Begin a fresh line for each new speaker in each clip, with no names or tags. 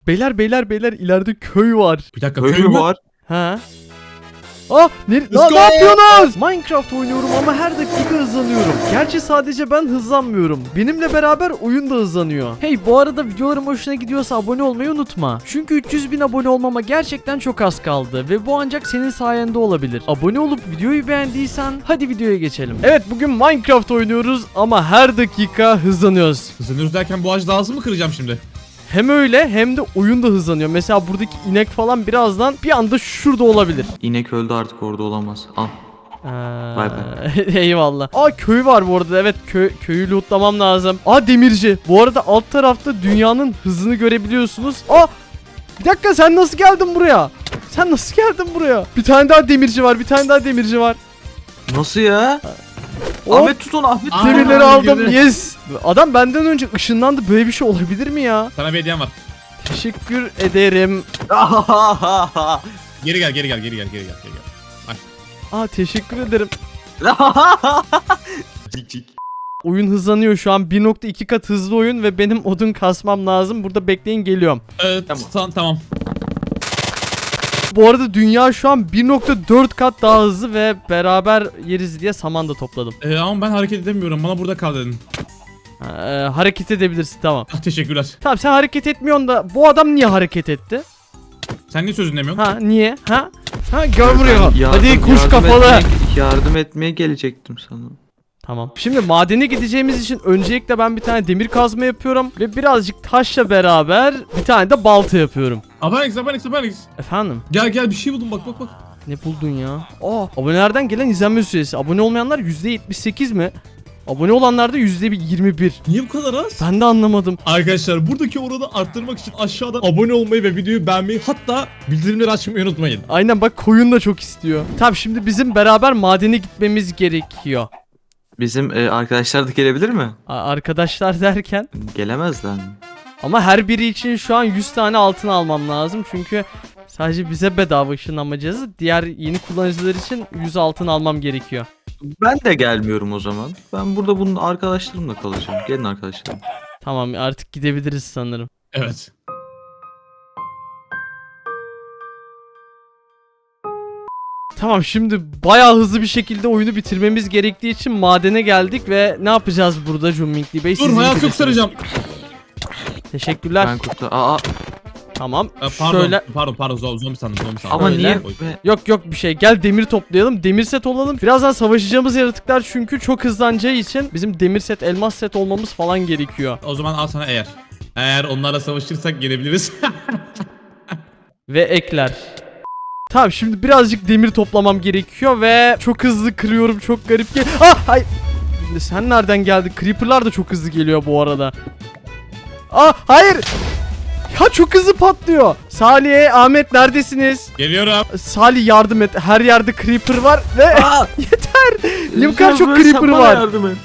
Beyler ileride köy var.
Bir dakika,
Köy mü var?
Ha? Ne yapıyorsunuz? Minecraft oynuyorum ama her dakika hızlanıyorum. Gerçi sadece ben hızlanmıyorum. Benimle beraber oyun da hızlanıyor. Hey, bu arada videolarım hoşuna gidiyorsa abone olmayı unutma. Çünkü 300.000 abone olmama gerçekten çok az kaldı ve bu ancak senin sayende olabilir. Abone olup videoyu beğendiysen hadi videoya geçelim. Evet, bugün Minecraft oynuyoruz ama her dakika hızlanıyoruz.
Hızlanıyoruz derken bu ağacı daha hızlı mı kıracağım şimdi?
Hem öyle hem de oyun da hızlanıyor. Mesela buradaki inek falan birazdan bir anda şurada olabilir.
İnek öldü, artık orada olamaz. Al. Bay
Eyvallah. Köy var bu arada. Evet, köyü lootlamam lazım. Demirci. Bu arada alt tarafta dünyanın hızını görebiliyorsunuz. Bir dakika, sen nasıl geldin buraya? Bir tane daha demirci var.
Nasıl ya?
Hop.
Ahmet tut onu, Ahmet.
Demirleri aldım.
girdi.
Yes. Adam benden önce ışınlandı. Böyle bir şey olabilir mi ya?
Sana bir hediyem var.
Teşekkür ederim.
Geri gel.
Teşekkür ederim.
Cik cik.
Oyun hızlanıyor şu an. 1.2 kat hızlı oyun ve benim odun kasmam lazım. Burada bekleyin, geliyorum.
Tamam.
Bu arada dünya şu an 1.4 kat daha hızlı ve beraber yeriz diye saman da topladım.
Ama ben hareket edemiyorum. Bana burada kal dedin.
Hareket edebilirsin, tamam.
Teşekkürler.
Tamam, sen hareket etmiyorsun da bu adam niye hareket etti?
Sen niye sözünü dinlemiyorsun?
Niye? Gel buraya. Hadi kuş kafalı.
Yardım etmeye gelecektim sana.
Tamam. Şimdi madene gideceğimiz için öncelikle ben bir tane demir kazma yapıyorum ve birazcık taşla beraber bir tane de balta yapıyorum.
Alex.
Efendim?
Gel bir şey buldum, bak.
Ne buldun ya? Abonelerden gelen izlenme süresi. Abone olmayanlar %78 mi? Abone olanlar da %21.
Niye bu kadar az?
Ben de anlamadım.
Arkadaşlar, buradaki oranı arttırmak için aşağıdan abone olmayı ve videoyu beğenmeyi, hatta bildirimleri açmayı unutmayın.
Aynen, bak koyun da çok istiyor. Tamam, şimdi bizim beraber madene gitmemiz gerekiyor.
Bizim arkadaşlar da gelebilir mi?
Arkadaşlar derken?
Gelemezler mi?
Ama her biri için şu an 100 tane altın almam lazım. Çünkü sadece bize bedava ışınlanacağız. Diğer yeni kullanıcılar için 100 altın almam gerekiyor.
Ben de gelmiyorum o zaman. Ben burada bunun arkadaşlarımla kalacağım. Gelin arkadaşlarım.
Tamam, artık gidebiliriz sanırım.
Evet.
Tamam, şimdi bayağı hızlı bir şekilde oyunu bitirmemiz gerektiği için madene geldik ve ne yapacağız burada Jummingli Bey?
Dur, hayat göstereceğim.
Teşekkürler.
Ben kurtar.
Tamam.
Pardon, zombi sandım.
Ama
Öyle.
niye?
Yok bir şey. Gel demir toplayalım. Demir set olalım. Birazdan savaşacağımız yaratıklar çünkü çok hızlanacağı için bizim demir set, elmas set olmamız falan gerekiyor.
O zaman al sana eğer. Eğer onlarla savaşırsak gelebiliriz.
Ve ekler. Tamam, şimdi birazcık demir toplamam gerekiyor ve çok hızlı kırıyorum. Çok garip hayır. Sen nereden geldin? Creeper'lar da çok hızlı geliyor bu arada. Hayır. Ya çok hızlı patlıyor. Salih, Ahmet neredesiniz?
Geliyorum.
Salih, yardım et. Her yerde creeper var ve yeter. Niye bu kadar çok creeper var?
Yardım et.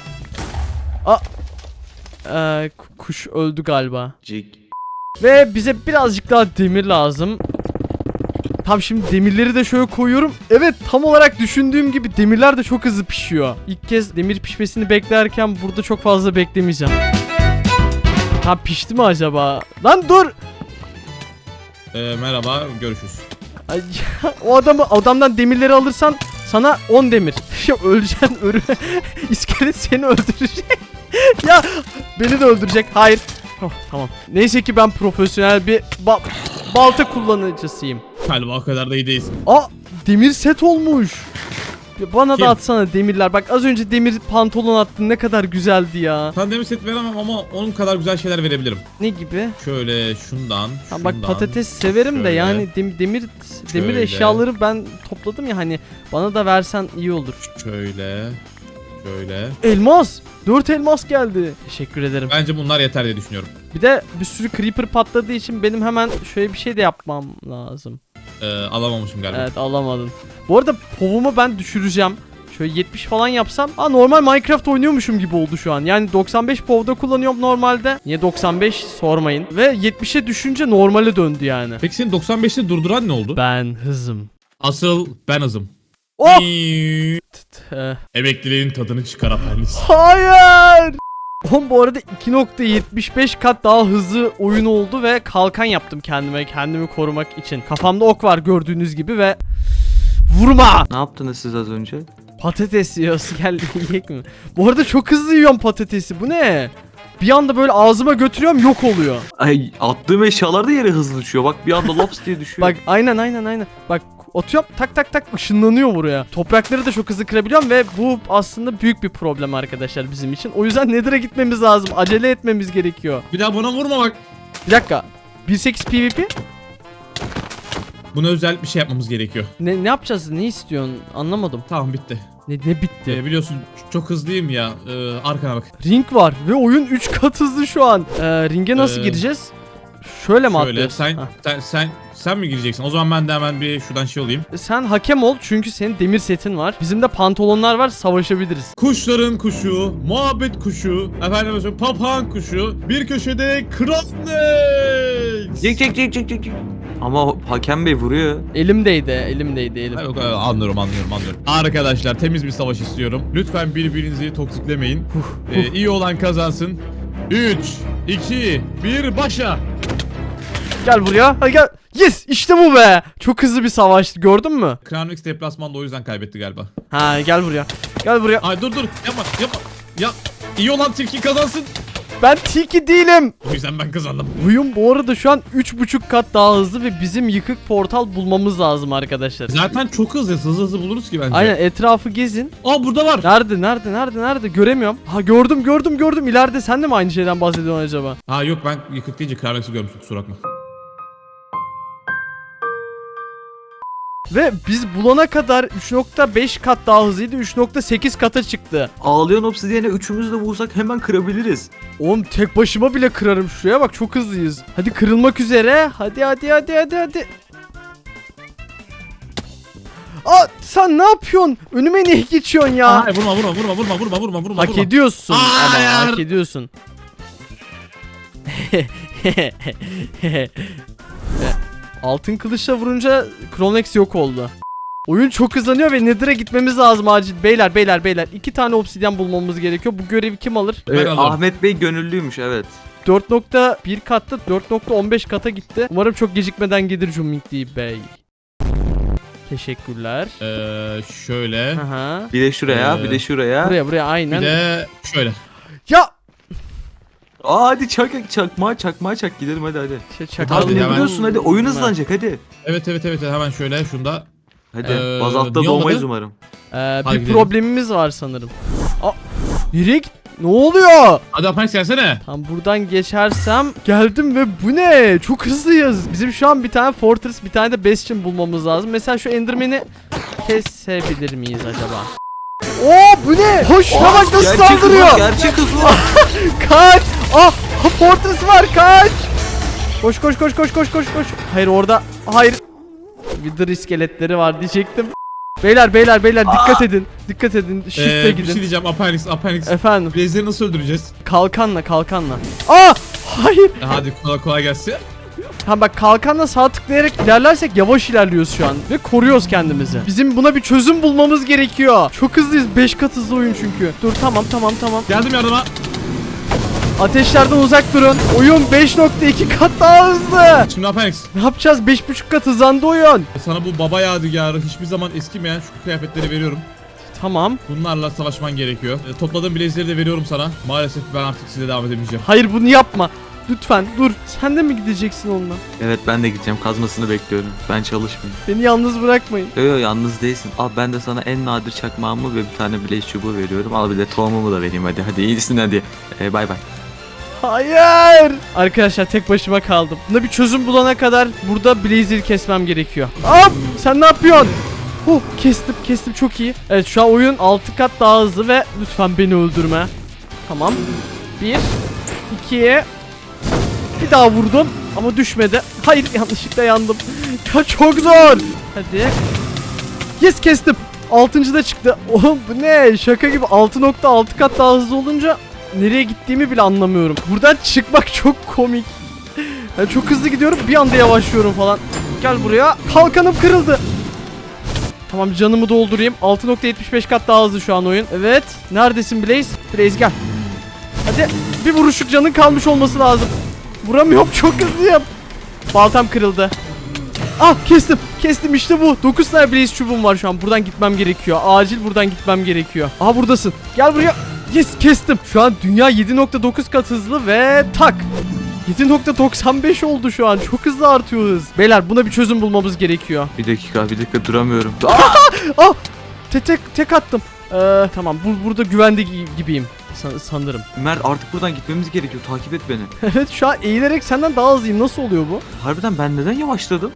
Kuş öldü galiba.
Cik.
Ve bize birazcık daha demir lazım. Tam şimdi demirleri de şöyle koyuyorum. Evet, tam olarak düşündüğüm gibi demirler de çok hızlı pişiyor. İlk kez demir pişmesini beklerken burada çok fazla beklemeyeceğim. Tam pişti mi acaba? Lan dur.
Merhaba, görüşürüz.
Ay, adamdan demirleri alırsan sana 10 demir. Öleceksin, İskelet seni öldürecek. Ya beni de öldürecek. Hayır. Tamam. Neyse ki ben profesyonel bir balta kullanıcısıyım.
Galiba o kadar da iyi değilsin.
Demir set olmuş. Bana
Kim?
da atsana demirler. Bak, az önce demir pantolon attın, ne kadar güzeldi ya.
Sana demir set veremem ama onun kadar güzel şeyler verebilirim.
Ne gibi?
Şöyle şundan.
Bak, patates severim de yani demir
Şöyle.
eşyaları ben topladım ya, hani bana da versen iyi olur.
Şöyle.
Elmas! 4 elmas geldi. Teşekkür ederim.
Bence bunlar yeter diye düşünüyorum.
Bir de bir sürü creeper patladığı için benim hemen şöyle bir şey de yapmam lazım.
Alamamışım galiba.
Evet, alamadın. Bu arada povumu ben düşüreceğim. Şöyle 70 falan yapsam. Normal Minecraft oynuyormuşum gibi oldu şu an. Yani 95 povda kullanıyorum normalde. Niye 95 sormayın. Ve 70'e düşünce normale döndü yani.
Peki seni 95'te durduran ne oldu?
Ben hızım.
Asıl ben hızım.
Oh!
Emekliliğin tadını çıkar Apellis.
Hayır! Oğlum bu arada 2.75 kat daha hızlı oyun oldu ve kalkan yaptım kendimi korumak için. Kafamda ok var gördüğünüz gibi ve vurma.
Ne yaptınız siz az önce?
Patates yiyoruz, gel yiyek mi? Bu arada çok hızlı yiyorum patatesi, bu ne? Bir anda böyle ağzıma götürüyorum, yok oluyor.
Ay, attığım eşyalar da yere hızlı düşüyor. Bak bir anda laps diye düşüyor.
Bak aynen. Bak atıyorum, tak ışınlanıyor buraya. Toprakları da çok hızlı kırabiliyorum ve bu aslında büyük bir problem arkadaşlar bizim için. O yüzden Nether'a gitmemiz lazım. Acele etmemiz gerekiyor.
Bir daha bana vurma bak.
Bir dakika. 1.8 PvP?
Buna özel bir şey yapmamız gerekiyor.
Ne yapacağız? Ne istiyorsun? Anlamadım.
Tamam bitti.
Ne bitti?
Biliyorsun çok hızlıyım ya. Arkana bak.
Ring var ve oyun 3 kat hızlı şu an. Ringe nasıl gireceğiz? Şöyle mi
Şöyle
atlıyoruz?
sen mi gireceksin? O zaman ben de hemen bir şuradan şey olayım.
Sen hakem ol çünkü senin demir setin var. Bizim de pantolonlar var, savaşabiliriz.
Kuşların kuşu, muhabbet kuşu, efendim mesela papağan kuşu, bir köşede Kronlex.
Cik. Ama hakem bey vuruyor.
Elimdeydi.
Yok, anlıyorum. Arkadaşlar temiz bir savaş istiyorum. Lütfen birbirinizi toksiklemeyin. İyi olan kazansın. 3, 2, 1 başla.
Gel buraya. Hadi gel. Yes, işte bu be. Çok hızlı bir savaştı, gördün mü?
Kronlex deplasmanda o yüzden kaybetti galiba.
Ha, gel buraya. Gel buraya.
Ay dur yapma. Ya iyi olan tilki kazansın.
Ben tilki değilim.
O yüzden ben kazandım.
Oyun bu arada şu an 3.5 kat daha hızlı ve bizim yıkık portal bulmamız lazım arkadaşlar.
Zaten çok hızlı buluruz ki bence.
Aynen, etrafı gezin.
Aa burada var.
Nerede? Göremiyorum. Ha, gördüm. İleride sen de mi aynı şeyden bahsediyorsun acaba?
Ha yok, ben yıkık deyince Kronlex'i görmüştüm, kusura bakma.
Ve biz bulana kadar 3.5 kat daha hızlıydı. 3.8 kata çıktı.
Ağlayan obsidiyene üçümüz de vursak hemen kırabiliriz.
Oğlum tek başıma bile kırarım şuraya bak, çok hızlıyız. Hadi kırılmak üzere. Hadi. Aa, sen ne yapıyorsun? Önüme niye geçiyorsun ya?
Ay, vurma.
Hak ediyorsun ama
Hayır.
hak ediyorsun. Altın kılıçla vurunca Kronlex yok oldu. Oyun çok hızlanıyor ve Nether'a gitmemiz lazım acil. Beyler. 2 tane obsidyen bulmamız gerekiyor. Bu görevi kim alır?
Ben alırım.
Ahmet Bey gönüllüymüş, evet.
4.1 katta 4.15 kata gitti. Umarım çok gecikmeden gelir Cumhuriyeti Bey. Teşekkürler.
Şöyle.
Aha.
Bir de şuraya, bir de şuraya.
Buraya aynen.
Bir de şöyle.
Ya!
Aa, hadi çakmağa çak gidelim hadi.
Hadi,
Hadi ne
hemen.
biliyorsun, hadi oyun hızlanacak hadi.
Evet, hemen şöyle şunda.
Hadi
Niye
bazaltta doğmayız
olmadı?
umarım.
Bir
gidelim.
problemimiz var sanırım. Aa, nereye git? Ne oluyor?
Hadi Apex gelsene.
Tam buradan geçersem geldim ve bu ne? Çok hızlıyız. Bizim şu an bir tane Fortress, bir tane de Bastion bulmamız lazım. Mesela şu Enderman'i kesebilir miyiz acaba? Oo, bu ne? Hoş, şuna bak nasıl saldırıyor.
Gerçek hız var.
Kaç! Ah! Fortress var, kaç! Koş. Hayır orada. Hayır. Wither iskeletleri var diyecektim. Beyler dikkat edin. Shift'e
Bir
gidin.
şey diyeceğim Apex.
Efendim,
Blaze'leri nasıl öldüreceğiz?
kalkanla. Aa! Hayır.
Hadi kolay gelsin.
Ha bak, kalkanla sağ tıklayarak ilerlersek yavaş ilerliyoruz şu an ve koruyoruz kendimizi. Bizim buna bir çözüm bulmamız gerekiyor. Çok hızlıyız, 5 kat hızlı oyun çünkü. Dur, tamam.
Geldim yardıma.
Ateşlerden uzak durun. Oyun 5.2 kat daha hızlı.
Şimdi Apex,
Ne yapacağız? 5.5 kat hızlandı oyun.
sana bu baba yadigarı, hiçbir zaman eskimeyen şu kıyafetleri veriyorum.
Tamam.
Bunlarla savaşman gerekiyor. Topladığım blaze'leri de veriyorum sana. Maalesef ben artık size devam edemeyeceğim.
Hayır, bunu yapma. Lütfen dur. Sen de mi gideceksin onunla?
Evet, ben de gideceğim, kazmasını bekliyorum. Ben çalışmayayım.
Beni yalnız bırakmayın.
Yo, yalnız değilsin. Al, ben de sana en nadir çakmağımı ve bir tane blaze çubuğu veriyorum. Al, bir de tohumumu da vereyim hadi iyisin hadi. Bay bay.
Hayır. Arkadaşlar tek başıma kaldım. Buna bir çözüm bulana kadar burada Blazer'i kesmem gerekiyor. Hop! Sen ne yapıyorsun? Kestim çok iyi. Evet, şu an oyun 6 kat daha hızlı ve lütfen beni öldürme. Tamam. 1 2 bir daha vurdum ama düşmedi. Hayır, yanlışlıkla yandım. Ya çok zor. Hadi. Yes, kestim. 6. da çıktı. Oğlum bu ne? Şaka gibi 6.6 kat daha hızlı olunca nereye gittiğimi bile anlamıyorum. Buradan çıkmak çok komik. Yani çok hızlı gidiyorum, bir anda yavaşlıyorum falan. Gel buraya. Kalkanım kırıldı. Tamam, canımı doldurayım. 6.75 kat daha hızlı şu an oyun. Evet. Neredesin Blaze? Blaze gel. Hadi bir vuruşluk canın kalmış olması lazım. Vuramıyorum, çok hızlıyım. Baltam kırıldı. Ah, kestim işte bu. 9 tane blaze çubuğum var şu an. Buradan gitmem gerekiyor. Acil buradan gitmem gerekiyor. Aha, buradasın. Gel buraya. Yes, kestim. Şu an dünya 7.9 kat hızlı ve tak. 7.95 oldu şu an. Çok hızlı artıyor hız. Beyler, buna bir çözüm bulmamız gerekiyor.
Bir dakika duramıyorum.
Ah! Tek attım. Tamam, burada güvende gibiyim sanırım.
Mert artık buradan gitmemiz gerekiyor. Takip et beni.
Evet, şu an eğilerek senden daha hızlıyım. Nasıl oluyor bu?
Harbiden ben neden yavaşladım?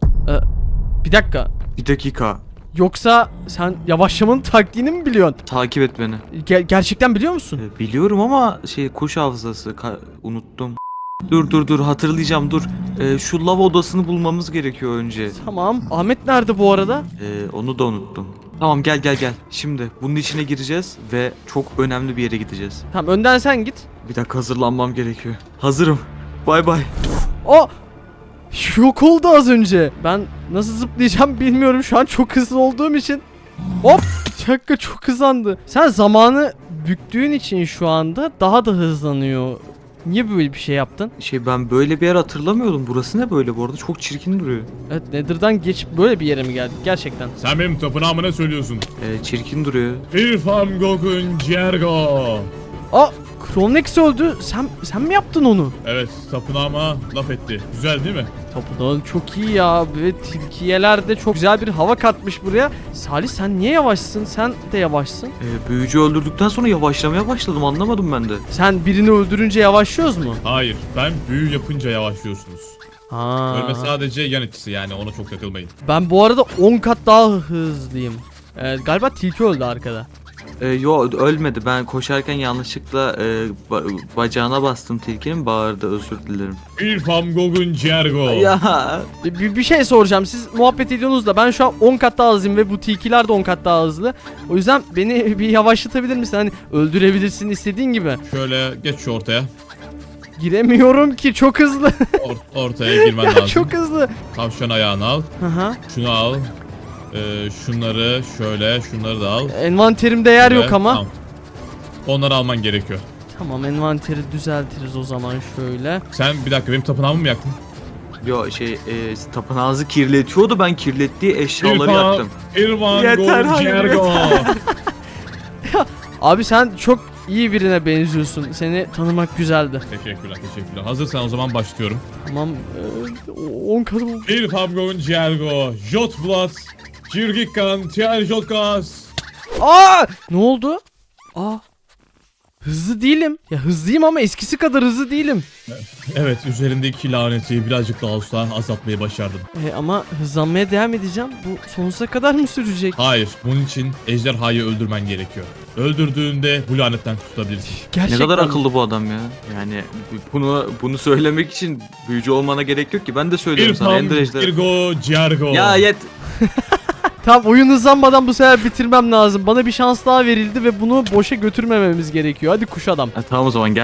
Bir dakika.
Bir dakika.
Yoksa sen yavaşlamanın taktiğini mi biliyorsun?
Takip et beni.
Gerçekten biliyor musun?
Biliyorum ama kuş hafızası unuttum. Dur hatırlayacağım dur. Şu lav odasını bulmamız gerekiyor önce.
Tamam. Ahmet nerede bu arada?
Onu da unuttum. Tamam gel. Şimdi bunun içine gireceğiz ve çok önemli bir yere gideceğiz.
Tamam, önden sen git.
Bir dakika hazırlanmam gerekiyor. Hazırım. Bay bay.
O yok oldu az önce. Ben nasıl zıplayacağım bilmiyorum şu an, çok hızlı olduğum için. Hop! Dakika, çok hızlandı. Sen zamanı büktüğün için şu anda daha da hızlanıyor. Niye böyle bir şey yaptın?
Ben böyle bir yer hatırlamıyordum. Burası ne böyle bu arada? Çok çirkin duruyor.
Evet, Nether'dan geçip böyle bir yere mi geldik gerçekten?
Sen benim tapınağıma ne söylüyorsun?
Çirkin duruyor.
İrfan Gogun Cergo.
Aa, Kronex öldü. Sen mi yaptın onu?
Evet, tapınağıma laf etti. Güzel değil mi?
Tapınağın çok iyi ya. Ve tilkiyeler de çok güzel bir hava katmış buraya. Salih, sen niye yavaşsın? Sen de yavaşsın.
Büyücü öldürdükten sonra yavaşlamaya başladım. Anlamadım ben de.
Sen birini öldürünce yavaşlıyoruz mu?
Hayır, ben büyü yapınca yavaşlıyorsunuz.
Ha.
Ölme sadece yan etkisi, yani ona çok takılmayın.
Ben bu arada 10 kat daha hızlıyım. Galiba tilki öldü arkada.
Yo ölmedi. Ben koşarken yanlışlıkla bacağına bastım tilkinin, bağırdı. Özür dilerim.
İrfan Gogun Cergo.
Ya.
Bir şey soracağım. Siz muhabbet ediyorsunuz da ben şu an 10 kat daha hızlıyım ve bu tilkiler de 10 kat daha hızlı. O yüzden beni bir yavaşlatabilir misin? Hani öldürebilirsin istediğin gibi.
Şöyle geç şu ortaya.
Giremiyorum ki, çok hızlı.
Ortaya girmen lazım.
Çok hızlı.
Tavşan ayağını al.
Aha.
Şunu al. Şunları şöyle, şunları da al.
Envanterimde yer
Şöyle,
yok ama.
Tamam. Onları alman gerekiyor.
Tamam, envanteri düzeltiriz o zaman şöyle.
Sen bir dakika, benim tapınağımı mı yaktın?
Yo tapınağınızı kirletiyordu. Ben kirlettiği eşyaları yaktım.
İrfan
Yeter,
Gogun
hayır,
Cergo.
Abi sen çok iyi birine benziyorsun. Seni tanımak güzeldi.
Teşekkürler. Hazırsan o zaman başlıyorum.
Tamam. 10 kat oldu.
İrfan Gogun Cergo. Jotblas. Jirgikan. Tiel Jotkas.
Aa! Ne oldu? Aa! Hızlı değilim. Ya hızlıyım ama eskisi kadar hızlı değilim.
Evet, üzerindeki laneti birazcık daha olsa azaltmayı başardım.
Ama hızlanmaya devam edeceğim. Bu sonsuza kadar mı sürecek?
Hayır, bunun için ejderhayı öldürmen gerekiyor. Öldürdüğünde bu lanetten kurtulabilirsin.
Ne
Gerçekten.
kadar akıllı bu adam ya. Yani bunu söylemek için büyücü olmana gerek yok ki. Ben de söylüyorum sana.
İrfan
Ender ejder.
Gogun Cergo.
Ya
Tamam, oyun hızlanmadan bu sefer bitirmem lazım. Bana bir şans daha verildi ve bunu boşa götürmememiz gerekiyor. Hadi kuş adam.
Tamam o zaman gel.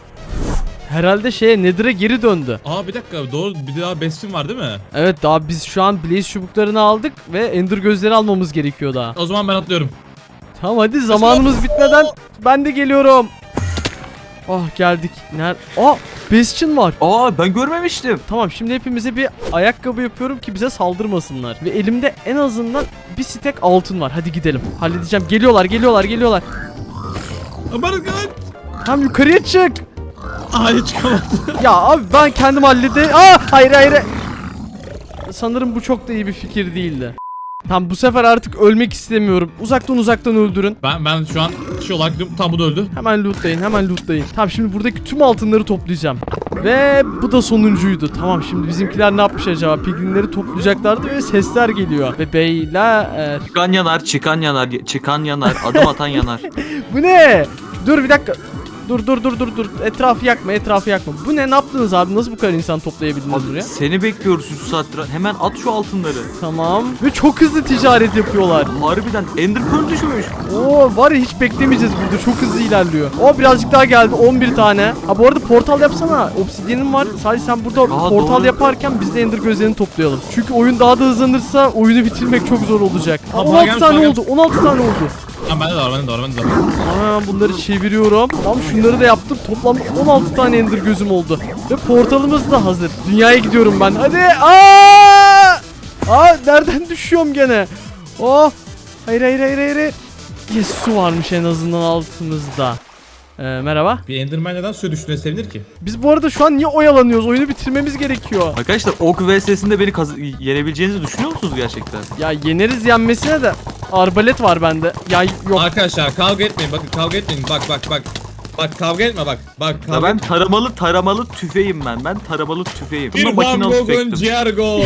Herhalde Nether'a geri döndü.
Aa, bir dakika, doğru, bir daha bestin var değil mi?
Evet, daha biz şu an Blaze çubuklarını aldık ve Ender gözleri almamız gerekiyor daha.
O zaman ben atlıyorum.
Tamam, hadi zamanımız bitmeden ben de geliyorum. Oh, geldik. Bastion var.
Ben görmemiştim.
Tamam, şimdi hepimize bir ayakkabı yapıyorum ki bize saldırmasınlar. Ve elimde en azından bir stek altın var. Hadi gidelim. Halledeceğim. Geliyorlar.
Aman kaç.
Tam yukarıya çık.
Hayır, çıkamadım.
Ya abi, ben kendim hallederim. Hayır. Sanırım bu çok da iyi bir fikir değildi. Tamam, bu sefer artık ölmek istemiyorum. Uzaktan öldürün.
Ben şu an olarak tam bu da öldü.
Hemen lootlayın. Tamam, şimdi buradaki tüm altınları toplayacağım. Ve bu da sonuncuydu. Tamam, şimdi bizimkiler ne yapmış acaba? Piglinleri toplayacaklardı ve sesler geliyor. Ve beyler...
Çıkan yanar, adım atan yanar.
Bu ne? Dur bir dakika. Dur. Etrafı yakma. Bu ne? Ne yaptınız abi? Nasıl bu kadar insan toplayabildiniz buraya?
Seni bekliyoruz 3 saattir. Hemen at şu altınları.
Tamam. Ve çok hızlı ticaret yapıyorlar.
Harbiden Ender Pearl düşmüş.
Var ya, hiç beklemeyeceğiz burada. Çok hızlı ilerliyor. Birazcık daha geldi. 11 tane. Ha, bu arada portal yapsana. Obsidian'ın var. Sadece sen burada portal
doğru.
yaparken biz de Ender gözlerini toplayalım. Çünkü oyun daha da hızlanırsa oyunu bitirmek çok zor olacak.
Tamam,
16
gelmiş,
tane
bana
oldu. 16 tane oldu.
Tamam bende de var.
Aa, bunları çeviriyorum. Tamam, şunları da yaptım. Toplam 16 tane ender gözüm oldu. Ve portalımız da hazır. Dünyaya gidiyorum ben. Hadi. Nereden düşüyorum gene? Oh. Hayır. Yes, su varmış en azından altımızda. Merhaba.
Bir Enderman neden suya düştüğüne sevinir ki?
Biz bu arada şu an niye oyalanıyoruz? Oyunu bitirmemiz gerekiyor.
Arkadaşlar ok vs'sinde beni yenebileceğinizi düşünüyor musunuz gerçekten?
Ya yeneriz yenmesine de. Arbalet var bende. Ya yok.
Arkadaşlar kavga etmeyin. Bakın kavga etmeyin. Bak. Bak kavga etme bak. Bak
Ya
kavga
ben taramalı tüfeğim ben. Ben taramalı tüfeğim. Bunda
Bir
makinalı
Van Gogh'un
tüfektim.
Ciargo.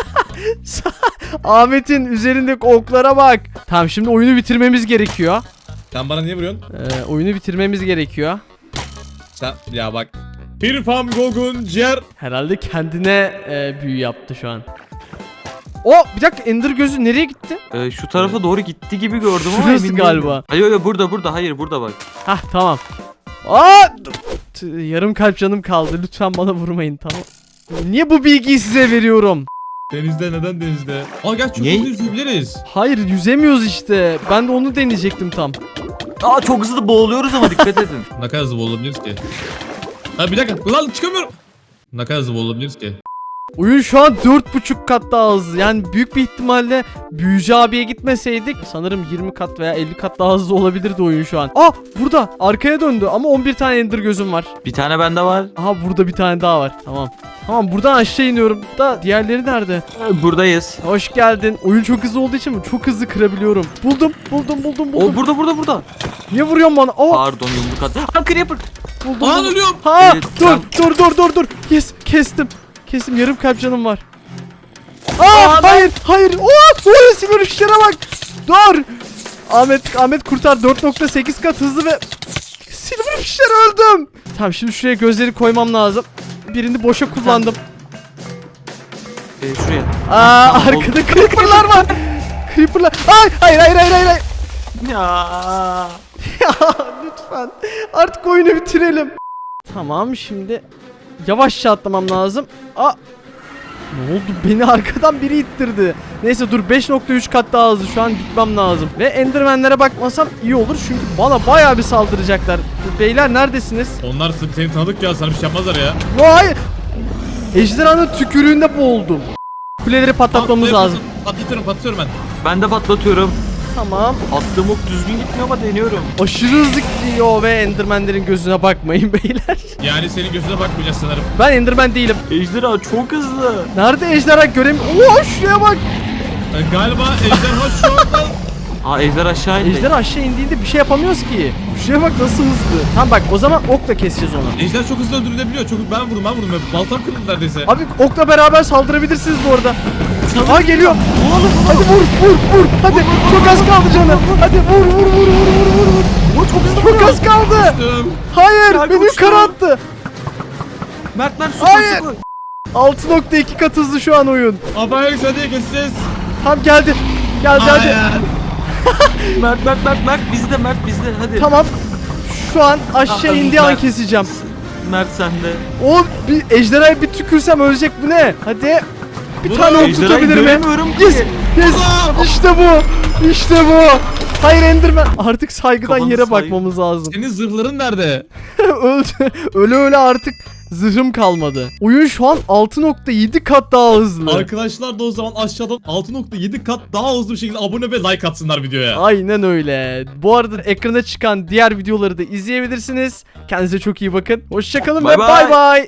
Ahmet'in üzerindeki oklara bak. Tamam, şimdi oyunu bitirmemiz gerekiyor.
Sen bana niye vuruyorsun?
Oyunu bitirmemiz gerekiyor.
Sen ya bak. Bir Van Gogh'un ciğer.
Herhalde kendine büyü yaptı şu an. Bir dakika, Ender gözü nereye gitti?
Şu tarafa doğru gitti gibi gördüm ama
Şurası
emin
galiba.
değilim. Hayır burada. Hayır burada bak.
Hah, tamam. Yarım kalp canım kaldı. Lütfen bana vurmayın, tamam. Niye bu bilgiyi size veriyorum?
Denizde neden denizde? Gel çok
Niye?
hızlı yüzebiliriz.
Hayır, yüzemiyoruz işte. Ben de onu deneyecektim tam.
Çok hızlı boğuluyoruz ama dikkat edin.
Ne kadar hızlı olabiliriz ki? Bir dakika. Ulan çıkamıyorum. Ne kadar hızlı olabiliriz ki?
Oyun şu an 4,5 kat daha hızlı. Yani büyük bir ihtimalle Büyücü abiye gitmeseydik sanırım 20 kat veya 50 kat daha hızlı olabilirdi oyun şu an. Burada arkaya döndü ama 11 tane ender gözüm var.
Bir tane bende var.
Burada bir tane daha var. Tamam, buradan aşağı iniyorum. Diğerleri nerede?
Buradayız.
Hoş geldin. Oyun çok hızlı olduğu için çok hızlı kırabiliyorum. Buldum.
O burada.
Niye vuruyorsun bana?
Pardon yumruk at. Creeper.
Buldum.
Ölüyorum.
Evet,
Dur. Yes, kestim. Yarım kalp canım var. Hayır. Sonra silver fişlere bak. Dur. Ahmet kurtar, 4,8 kat hızlı ve silver fişlere öldüm. Tamam, şimdi şuraya gözleri koymam lazım. Birini boşa kullandım.
Şuraya.
Arkada creeper'lar var. Hayır.
Ya.
Lütfen. Artık oyunu bitirelim. Tamam, şimdi yavaşça atlamam lazım. Ne oldu? Beni arkadan biri ittirdi. Neyse dur, 5,3 kat daha hızlı şu an gitmem lazım. Ve endermenlere bakmasam iyi olur çünkü bana bayağı bir saldıracaklar. Beyler neredesiniz?
Onlar seni tanıdık ya. Sana bir şey yapmazlar ya.
Vay! Ejderhanın tükürüğünde boğuldum. Kuleleri patlatmamız lazım.
Patlatıyorum ben.
Ben de patlatıyorum.
Tamam.
Attığım ok düzgün gitmiyor ama deniyorum.
Aşırı hızlı gidiyor ve endermenlerin gözüne bakmayın beyler.
Yani senin gözüne bakmayacağız sanırım.
Ben enderman değilim.
Ejderha çok hızlı.
Nerede ejderha göremiyorum. Şuraya bak.
Galiba ejderha şu anda...
Ejder aşağı indi.
Ejderha aşağı indiğinde bir şey yapamıyoruz ki. Şuraya bak nasıl hızlı. Tamam bak, o zaman okla keseceğiz onu.
Ejder çok hızlı öldürülebiliyor. Ben vurdum. Baltam kırıldı neredeyse.
Abi okla beraber saldırabilirsiniz bu arada. Geliyor. Hadi vur. Hadi çok az kaldı canım. Hadi vur.
Çok hızlı.
Çok az kaldı. Hayır,
Ya,
beni
uçtu.
yukarı attı.
Mert
Hayır.
süper.
6,2 kat hızlı şu an oyun.
Abaya hadi keseceğiz.
Tam geldi. Hadi.
Mert bizde hadi.
Tamam. Şu an aşağı indiği an
Mert.
keseceğim.
Mert sende.
Bir ejderhaya bir tükürsem ölecek, bu ne? Hadi. Bir tane ok
Ejderhayı
tutabilir mi?
göremiyorum ki.
Yes. İşte bu. Hayır Enderman. Artık saygıdan
Kafanı
yere
saygı.
bakmamız lazım.
Senin zırhların nerede?
Öldü. Öyle artık zırhım kalmadı. Oyun şu an 6,7 kat daha hızlı.
Arkadaşlar da o zaman aşağıdan 6,7 kat daha hızlı bir şekilde abone ve like atsınlar videoya.
Aynen öyle. Bu arada ekrana çıkan diğer videoları da izleyebilirsiniz. Kendinize çok iyi bakın. Hoşçakalın ve
Bye bye.
bay bay.